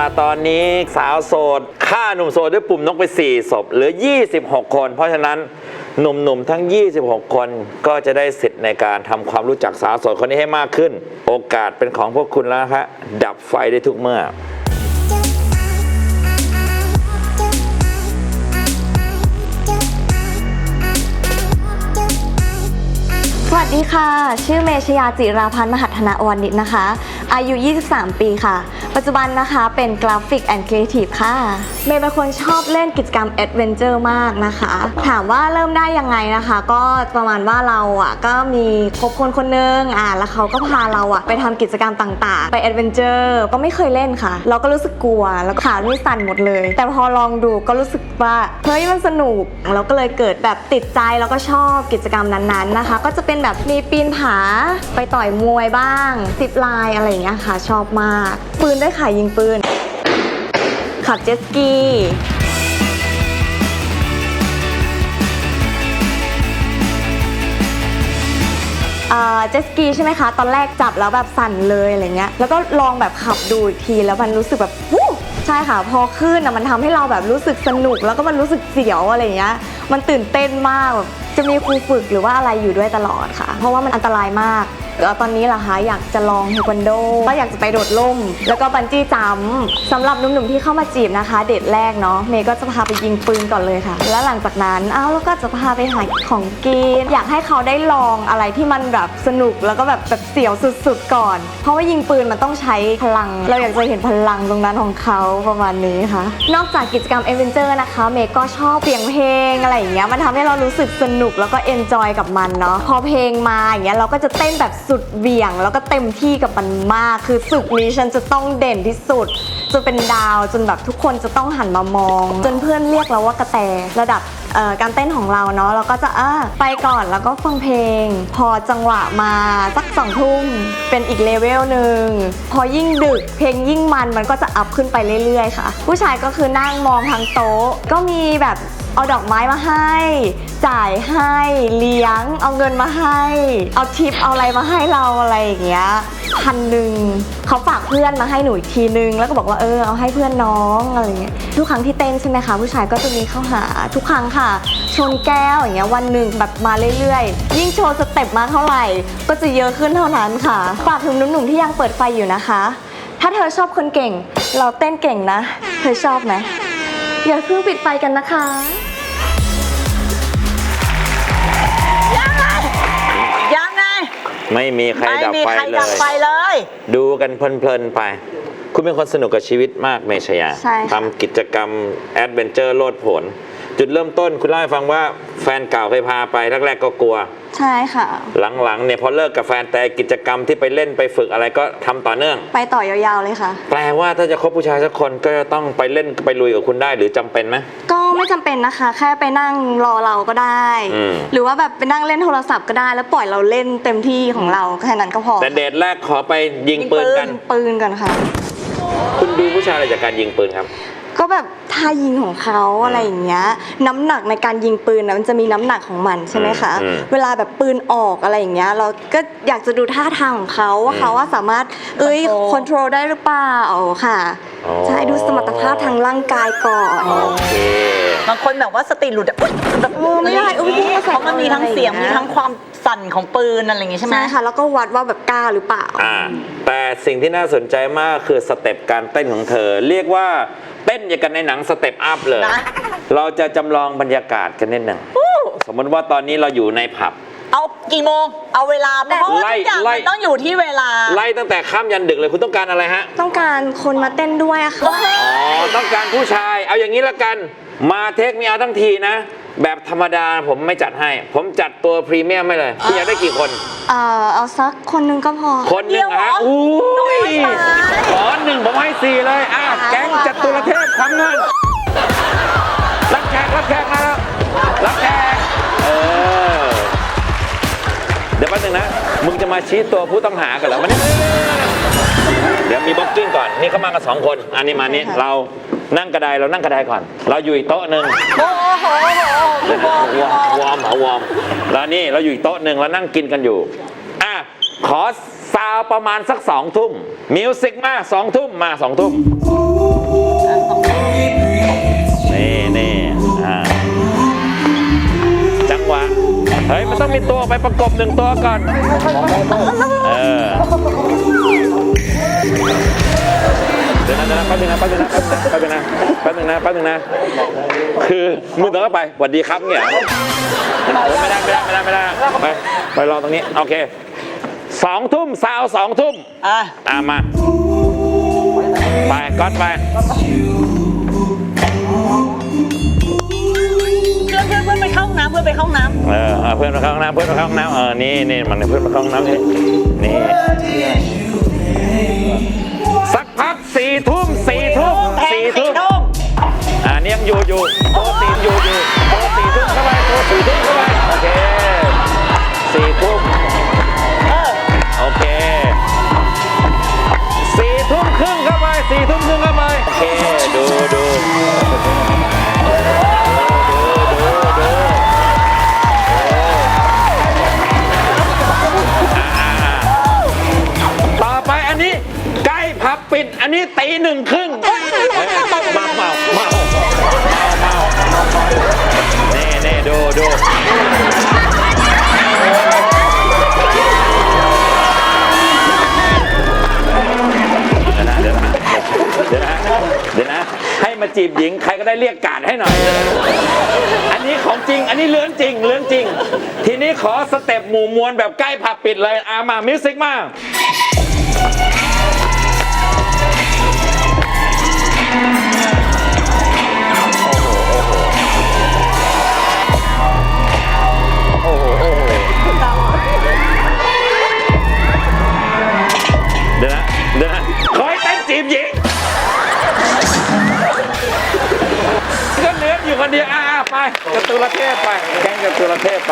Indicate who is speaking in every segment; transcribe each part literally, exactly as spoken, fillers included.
Speaker 1: ล่ะตอนนี้สาวโสดฆ่าหนุ่มโสดด้วยปุ่มนกไปสี่ศพเหลือยี่สิบหกคนเพราะฉะนั้นหนุ่มๆทั้งยี่สิบหกคนก็จะได้สิทธิ์ในการทำความรู้จักสาวโสดคนนี้ให้มากขึ้นโอกาสเป็นของพวกคุณแล้วนะคะดับไฟได้ทุกเมื่อ
Speaker 2: สวัสดีค่ะชื่อเมชยาจิราพันธ์มหัฒนวณิชนะคะอายุยี่สิบสามปีค่ะปัจจุบันนะคะเป็นกราฟิกแอนด์ครีเอทีฟค่ะเมย์เป็นคนชอบเล่นกิจกรรมแอดเวนเจอร์มากนะคะถามว่าเริ่มได้ยังไงนะคะก็ประมาณว่าเราอ่ะก็มีคบคนคนนึงอ่ะแล้วเขาก็พาเราอ่ะไปทำกิจกรรมต่างๆไปแอดเวนเจอร์ก็ไม่เคยเล่นค่ะเราก็รู้สึกกลัวแล้วขานี่สั่นหมดเลยแต่พอลองดูก็รู้สึกว่าเฮ้ยมันสนุกเราก็เลยเกิดแบบติดใจแล้วก็ชอบกิจกรรมนั้นๆนะคะก็จะเป็นแบบมีปีนผาไปต่อยมวยบ้างซิปไลน์อะไรอย่างเงี้ยค่ะชอบมากปืนได้ขายยิงปืนขับเจ็ตสกีเจ็ตสกีใช่ไหมคะตอนแรกจับแล้วแบบสั่นเลยอะไรเงี้ยแล้วก็ลองแบบขับดูอีกทีแล้วมันรู้สึกแบบวู้ใช่ค่ะพอขึ้นนะมันทำให้เราแบบรู้สึกสนุกแล้วก็มันรู้สึกเสียวอะไรเงี้ยมันตื่นเต้นมากแบบจะมีครูฝึกหรือว่าอะไรอยู่ด้วยตลอดค่ะเพราะว่ามันอันตรายมากตอนนี้ล่ะคะอยากจะลองเทควันโดก็อยากจะไปโดดร่มแล้วก็บันจี้จัมป์สำหรับหนุ่มๆที่เข้ามาจีบนะคะเดทแรกเนาะเมย์ก็จะพาไปยิงปืนก่อนเลยค่ะแล้วหลังจากนั้นอ้าวแล้วก็จะพาไปหาของกินอยากให้เขาได้ลองอะไรที่มันแบบสนุกแล้วก็แบบแบบเสียวสุดๆก่อนเพราะว่ายิงปืนมันต้องใช้พลังเราอยากจะเห็นพลังตรงนั้นของเขาประมาณนี้ค่ะนอกจากกิจกรรมเอเวนเจอร์นะคะเมย์ก็ชอบเสียงเพลงอะไรอย่างเงี้ยมันทำให้เรารู้สึกสนุกแล้วก็เอนจอยกับมันเนาะพอเพลงมาอย่างเงี้ยเราก็จะเต้นแบบสุดเบี่ยงแล้วก็เต็มที่กับมันมากคือศึกนี้ฉันจะต้องเด่นที่สุดจนเป็นดาวจนแบบทุกคนจะต้องหันมามองจนเพื่อนเรียกเราว่ากระแตระดับการเต้นของเราเนาะเราก็จะอ่ะไปก่อนแล้วก็ฟังเพลงพอจังหวะมาสักสองทุ่มเป็นอีกเลเวลหนึ่งพอยิ่งดึกเพลงยิ่งมันมันก็จะอัพขึ้นไปเรื่อยๆค่ะผู้ชายก็คือนั่งมองทางโต๊ะก็มีแบบเอาดอกไม้มาให้จ่ายให้เลี้ยงเอาเงินมาให้เอาทิปเอาอะไรมาให้เราอะไรอย่างเงี้ยพันหนึ่งเขาฝากเพื่อนมาให้หนูอีกทีนึงแล้วก็บอกว่าเออเอาให้เพื่อนน้องอะไรอย่างเงี้ยทุกครั้งที่เต้นใช่ไหมคะผู้ชายก็จะมีเข้าหาทุกครั้งค่ะชนแก้วอย่างเงี้ยวันหนึ่งแบบมาเรื่อยๆยิ่งโชว์สเต็ปมาเท่าไหร่ก็จะเยอะขึ้นเท่านั้นค่ะฝากถึงหนุ่มๆที่ยังเปิดไฟอยู่นะคะถ้าเธอชอบคนเก่งเราเต้นเก่งนะเธอชอบไหมอย่าเพิ่งปิดไฟกันนะคะ
Speaker 3: ยังไง
Speaker 1: ไม่มีใครดับไฟเลย
Speaker 3: ดับไฟเลย
Speaker 1: ดูกันเพลินๆไปคุณเป็นคนสนุกกับชีวิตมากเมชยาทำกิจกรรมแอดเวนเจอร์โลดผลจุดเริ่มต้นคุณเล่าให้ฟังว่าแฟนเก่าเคยพาไปแรกๆก็กลัว
Speaker 2: ใช่ค่ะ
Speaker 1: หลังๆเนี่ยพอเลิกกับแฟนแต่กิจกรรมที่ไปเล่นไปฝึกอะไรก็ทำต่อเนื่อง
Speaker 2: ไปต่อยาวๆเลยค่ะ
Speaker 1: แปลว่าถ้าจะคบผู้ชายสักคนก็จะต้องไปเล่นไปลุยกับคุณได้หรือจำเป็นไหม
Speaker 2: ก็ไม่จำเป็นนะคะแค่ไปนั่งรอเราก็ได้หรือว่าแบบไปนั่งเล่นโทรศัพท์ก็ได้แล้วปล่อยเราเล่นเต็มที่ของเราแค่นั้นก็พอ
Speaker 1: แต่เดทแรกขอไปยิงปืนกัน
Speaker 2: ปืนกันค่ะ
Speaker 1: คุณดูผู้ชายอะไรจากการยิงปืนครับ
Speaker 2: ก็แบบท่ายิงของเขาอะไรอย่างเงี้ยน้ำหนักในการยิงปืนนะมันจะมีน้ำหนักของมันใช่ไหมคะเวลาแบบปืนออกอะไรอย่างเงี้ยเราก็อยากจะดูท่าทางของเขาว่าเขาว่าสามารถเอ้ยคอนโทรลได้หรือเปล่าค่ะใช่ดูสมรรถภาพทางร่างกายก่อน
Speaker 3: บางคนแบบว่าสติหลุดอะแบบ
Speaker 2: ไม่ได้อุ้ย
Speaker 3: เพราะมันมีทั้งเสียงมีทั้งความสั่นของปืนอะไรอย่างงี้ใช่ไหม
Speaker 2: ใช่ค่ะแล้วก็วัดว่าแบบกล้าหรือเปล่า
Speaker 1: อ่าแต่สิ่งที่น่าสนใจมากคือสเต็ปการเต้นของเธอเรียกว่าเต้นอย่างกันในหนังสเต็ปอัพเลยเราจะจำลองบรรยากาศกันนิดหนึ่งสมมติว่าตอนนี้เราอยู่ในผับ
Speaker 3: เอากี่โมงเอาเวลาเพราะว่าทุกอย่างมันต้องอยู่ที่เวลา
Speaker 1: ไล่ตั้งแต่ค่ำยันดึกเลยคุณต้องการอะไรฮะ
Speaker 2: ต้องการคนมาเต้นด้วยอะค่ะ
Speaker 1: อ๋อต้องการผู้ชายเอาอย่างนี้ละกันมาเทคมีเอาทั้งทีนะแบบธรรมดาผมไม่จัดให้ผมจัดตัวพรีเมียมไม่เลยคุณอยากได้กี่คน
Speaker 2: เออเอาสักคนนึงก็พอ
Speaker 1: คนนึงฮะอู้ยขอหนึ่งผมให้สี่เลยอ่ะแก๊งจัตุรเทพทำงานรับแขกรับแขกนะครับรับแขกเออเดี๋ยวแป๊บนึงนะมึงจะมาชี้ตัวผู้ต้องหากันเหรอมันนี่เดี๋ยวมีบ็อกกิ้งก่อนนี่เขามากันสองคนอันนี้มานี่เรานั่งกระไดเรานั่งกระไดก่อนเราอยู่อีกโต๊ะหนึ่ง
Speaker 3: โอ้โห
Speaker 1: วอร์มเหรอวอร์มแล้วนี่เราอยู่อีกโต๊ะหนึ่งเรานั่งกินกันอยู่อ่ะขอซาวประมาณสักสองทุ่มมิวสิกมาสองทุ่มมาสองทุ่มเฮ้ยมันต้องมีตัวไปประกบหนึ่งตัวก่อนเออเดี๋ยวนะเดี๋ยวนะแป๊บนึงนะแป๊บนึงนะแป๊บนึงนะแป๊บนึงนะแป๊บนึงนะคือมึงต้องไปสวัสดีครับเนี่ยไม่ได้ไม่ได้ไม่ได้ไม่ได้ไปไปรอตรงนี้โอเคสองทุ่มสาวสองทุ่ม
Speaker 3: อ่ะ
Speaker 1: อ่ะมาไปก๊อตไป
Speaker 3: เพื่อนเพื่อนเพื่อนไปเข้าห้องน้ำเพื่อนไปเข้าห้องน้ำ
Speaker 1: เออเพื่อนมาเข้าห้องน้ำเพื่อนมาเข้าห้องน้ำเออนี่นี่มันเพื่อนมาเข้าห้องน้ำนี่นี่สักพักสี่ทุ่มสี่ทุ่ม
Speaker 3: แทง
Speaker 1: สี่
Speaker 3: สี่
Speaker 1: ทุ่ม
Speaker 3: ทุ่ม
Speaker 1: อ่านี่ยังอยู่อยู่โปรตีนอยู่อยู่โปรสี่ทุ่มเข้าไปโปรสี่ทุ่มเข้าไปโอเคสี่ทุ่ม
Speaker 3: เออ
Speaker 1: โอเคสี่ทุ่มครึ่งเข้าไปสี่ทุ่มครึ่งเข้าไปโอเคดูดูต่อไปอันนี้ใกล้พับปิดอันนี้ตีหนึ่งครึ่งเมาเมาเมาเมาเน่เน่ดูดูเดี๋ยวนะเดี๋ยวนะเดี๋ยวนะให้มาจีบหญิงใครก็ได้เรียกการให้หน่อยอันนี้ของจริงอันนี้เรื่องจริงเรื่องจริงทีนี้ขอสเต็ปหมู่มวลแบบใกล้ผับปิดเลยอามามิวสิกมาโอ้โหโอ้โหเดี๋ยวนะเดี๋ยวนะขอให้เต้นจีบหญิงก็เหลืออยู่คนเดียวอ่าไปจตุรเทพไปแกงจตุรเทพไป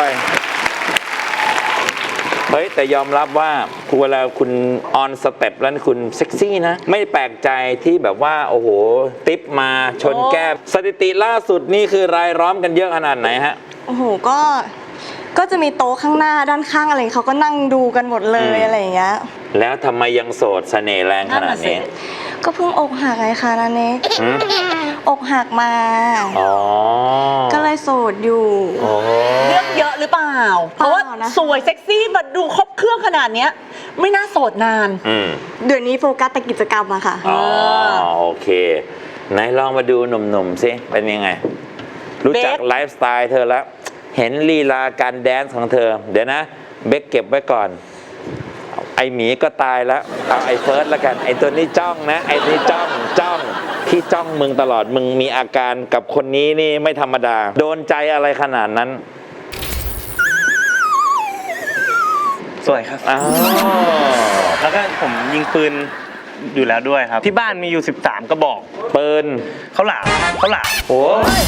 Speaker 1: เฮ้ยแต่ยอมรับว่าเวลาคุณออนสเต็ปแล้วคุณเซ็กซี่นะไม่แปลกใจที่แบบว่าโอ้โหติ๊บมาชนแก้มสถิติล่าสุดนี่คือรายล้อมกันเยอะขนาดไหนฮะ
Speaker 2: โอ้โหก็ก็จะมีโต๊ะข้างหน้าด้านข้างอะไรเขาก็นั่งดูกันหมดเลยอะไรอย่างเงี้ย
Speaker 1: แล้วทำไมยังโสดเสน่ห์แรงขนาดนี้
Speaker 2: ก็เพิ่งอกหักไงคะนันเนก
Speaker 1: หืม
Speaker 2: อกหักมา
Speaker 1: อ๋อ
Speaker 2: ก็เลยโสดอยู่
Speaker 1: โอ้
Speaker 3: เรื่องเยอะหรือเปล่า เพราะว่า
Speaker 2: เปล่านะ
Speaker 3: สวยเซ็กซี่มาดูครบเครื่องขนาดเนี้ยไม่น่าโสดนาน
Speaker 1: อืม
Speaker 2: เดี๋ยวนี้โฟกัสแต่กิจกรรมอะค่ะ
Speaker 1: อ๋อโอเคไหนลองมาดูหนุ่มๆสิเป็นยังไง รู้จัก
Speaker 3: เบค
Speaker 1: ไลฟ์สไตล์เธอแล้ว เห็นลีลาการแดนซ์ของเธอ เดี๋ยวนะ เบคเก็บไว้ก่อน ไอหมีก็ตายแล้วเอาไอเฟิร์สแล้วกันไอตัวนี้จ้องนะไอตัวนี้จ้องจ้องที่จ้องมึงตลอดมึงมีอาการกับคนนี้นี่ไม่ธรรมดา โดนใจอะไรขนาดนั้น
Speaker 4: สวยครับ
Speaker 1: อ้าว
Speaker 4: แล้วก็ผมยิงปืนอยู่แล้วด้วยครับ ที่บ้านมีอยู่สิบสามกระบอก
Speaker 1: ปืน
Speaker 4: เขาหลามเขาหลาม
Speaker 1: โอ้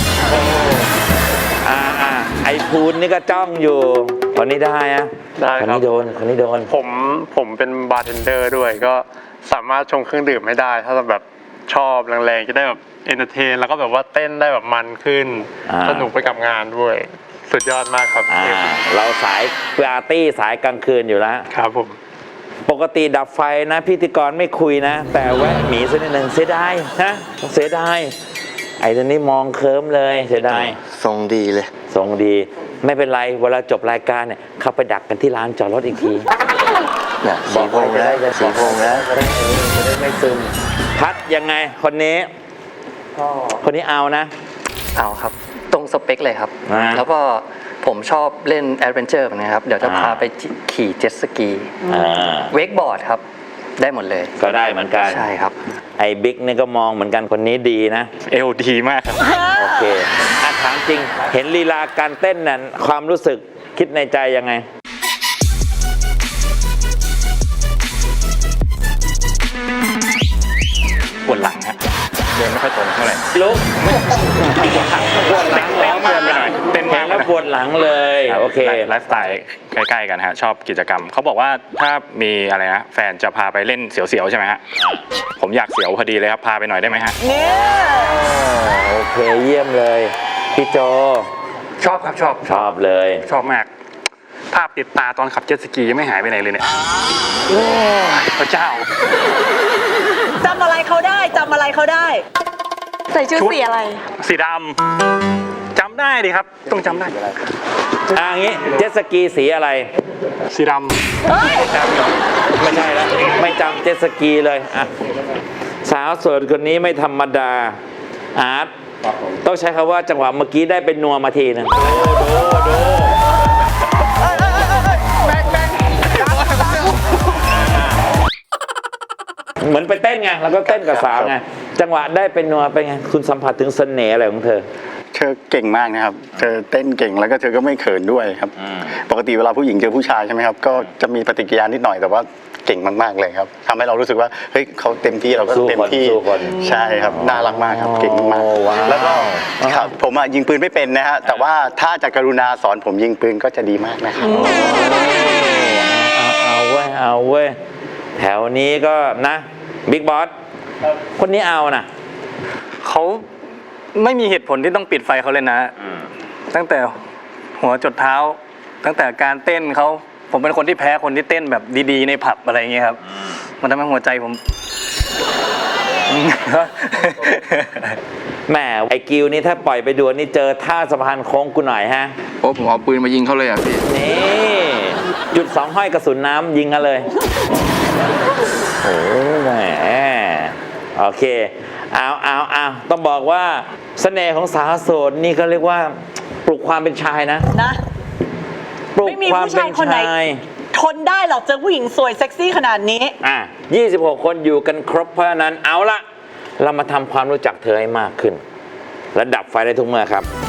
Speaker 1: อ่าอ่าไอพูนนี่ก็จ้องอยู่คนนี้ได้อะ
Speaker 5: ได้
Speaker 1: คน
Speaker 5: ครับ
Speaker 1: นี้โดนคนนี้โดน
Speaker 5: ผมผมเป็นบาร์เทนเดอร์ด้วยก็สามารถชงเครื่องดื่มให้ได้ ถ้าแบบชอบแรงๆจะได้แบบเอนเตอร์เทนแล้วก็แบบว่าเต้นได้แบบมันขึ้น
Speaker 1: อ่า
Speaker 5: สนุกไปกับงานด้วย สุดยอดมากครับ
Speaker 1: อ่าเราสายปาร์ตี้สายกลางคืนอยู่แล้ว
Speaker 5: ครับผม
Speaker 1: ปกติดับไฟนะพิธีกรไม่คุยนะ แต่แวะหมีสักนิดหนึ่งเสียดายนะเสียดายไอ้ตัวนี้มองเคิร์มเลยเสียดาย
Speaker 6: ทรงดีเลย
Speaker 1: ทรงดีไม่เป็นไรเวลาจบรายการเนี่ยเข้าไปดักกันที่ร้านจอดรถอีกที
Speaker 6: เนี่ยสีพงแล้วสีพงแล้ว
Speaker 1: จะได้จะได้ไม่ซึมพัดยังไงคนนี้คนนี้เอานะ
Speaker 7: เอาครับ ตรงสเปคเลยครับ
Speaker 1: อ่า
Speaker 7: แล้วก็ผมชอบเล่นแอดเวนเจอร์นะครับ เดี๋ยวจะ
Speaker 1: อ่า
Speaker 7: พาไปขี่เจ็ตสกี
Speaker 1: อ่า
Speaker 7: เวกบอร์ดครับ ได้หมดเลย
Speaker 1: ก็ได้เหมือนกัน
Speaker 7: ใช่ครับ
Speaker 1: ไอ้บิ๊กนี่ก็มองเหมือนกันคนนี้ดีนะ
Speaker 4: เอวดีมากครับ
Speaker 1: โอเคอ่ะถามจริง เห็นลีลาการเต้นนั้นความรู้สึกคิดในใจยังไง
Speaker 4: ปวดหลังฮะเดินไม่ค่อยตรงเท่าไหร่
Speaker 1: ลุกปวดหลังปวดหลัง
Speaker 4: เต้นมากไปหน่อยเต้นมาก
Speaker 1: แล้วปวดหลังเลยโอเค
Speaker 4: ไลฟ์สไตล์ใกล้ๆกันฮะชอบกิจกรรมเขาบอกว่าถ้ามีอะไรนะแฟนจะพาไปเล่นเสียวๆใช่ไหมฮะผมอยากเสียวพอดีเลยครับพาไปหน่อยได้ไหมฮะ
Speaker 3: เนี่ย
Speaker 1: โอเคเยี่ยมเลยพี่โจ
Speaker 4: ชอบครับชอบ
Speaker 1: ชอบเลย
Speaker 4: ชอบมาก ภาพติดตาตอนขับเจ็ตสกียังไม่หายไปไหนเลยเนี่ยโอ้ยพระเจ้า
Speaker 3: จำอะไรเขาได้จำอะไรเขาได้
Speaker 2: ใส่ชุด
Speaker 4: ชุด
Speaker 2: สีอะไร
Speaker 4: สีดำจำได้ดิครับ ต้องจำได้
Speaker 1: อ่างี้เจ็ตสกีสีอะไร
Speaker 5: สีด
Speaker 1: ไม่จำหรอกไม่ใช่แล้วไม่จำเจ็ตสกีเลยอ่ะสาวโสดคนนี้ไม่ธรรมดาอาร์ตต้องใช้คำว่าจังหวะเมื่อกี้ได้เป็นนัวมาทีนึงดูดูดูเหมือนไปเต้นไงแล้วก็เต้นกับสาวไงจังหวะได้เป็นนัวเป็นไงคุณสัมผัสถึงเสน่ห์อะไรของเธอ
Speaker 8: เธอเก่งมากนะครับ เธอเต้นเก่งแล้วก็เธอก็ไม่เขินด้วยครับ ปกติเวลาผู้หญิงเจอผู้ชายใช่ไหมครับ ก็จะมีปฏิกิริยานิดหน่อยแต่ว่าเก่งมากๆเลยครับทำให้เรารู้สึกว่าเฮ้ยเขาเต็มที่เราก็
Speaker 1: สู้คน
Speaker 8: เต็มที่
Speaker 1: สู้คน
Speaker 8: ใช่ครับน่ารักมากครับเก่งมาก
Speaker 1: โอ้ว้าว
Speaker 8: ๆแล้วก็ครับผมอะยิงปืนไม่เป็นนะฮะแต่ว่าถ้าจะกรุณาสอนผมยิงปืนก็จะดีมากนะครับ
Speaker 1: เอาเอาเว้ยเอาเว้ยแถวนี้ก็นะบิ๊กบอสคนนี้เอานะ
Speaker 7: เขาไม่มีเหตุผลที่ต้องปิดไฟเขาเลยนะ ตั้งแต่หัวจดเท้า ตั้งแต่การเต้นเขาผมเป็นคนที่แพ้คนที่เต้นแบบดีๆในผับอะไรอย่างเงี้ยครับ มันทำให้หัวใจผม
Speaker 1: แหมไอ้กิวนี่ถ้าปล่อยไปดวลนี่เจอท่าสะพานโค้งกูหน่อยฮะ
Speaker 9: โอ้ผมเอาปืนมายิงเขาเลยอ่ะพี่
Speaker 1: นี่หยุดสองห้อยกระสุนน้ำยิงกันเลยโอ้แหมโอเคเอาเอาเอาต้องบอกว่าเสน่ห์ของสาวโสดนี่ก็เรียกว่าปลุกความเป็นชายนะ
Speaker 3: นะ
Speaker 1: ปลุก
Speaker 3: ไม่มี
Speaker 1: ความ
Speaker 3: ผู้
Speaker 1: เป็
Speaker 3: ชาย
Speaker 1: น
Speaker 3: คนไหน
Speaker 1: ชาย
Speaker 3: ทนได้หรอกเจอผู้หญิงสวยเซ็กซี่ขนาดนี้
Speaker 1: อ่ะยี่สิบหกคนอยู่กันครบเพราะฉะนั้นเอาละเรามาทำความรู้จักเธอให้มากขึ้นและดับไฟได้ทุกเมื่อครับ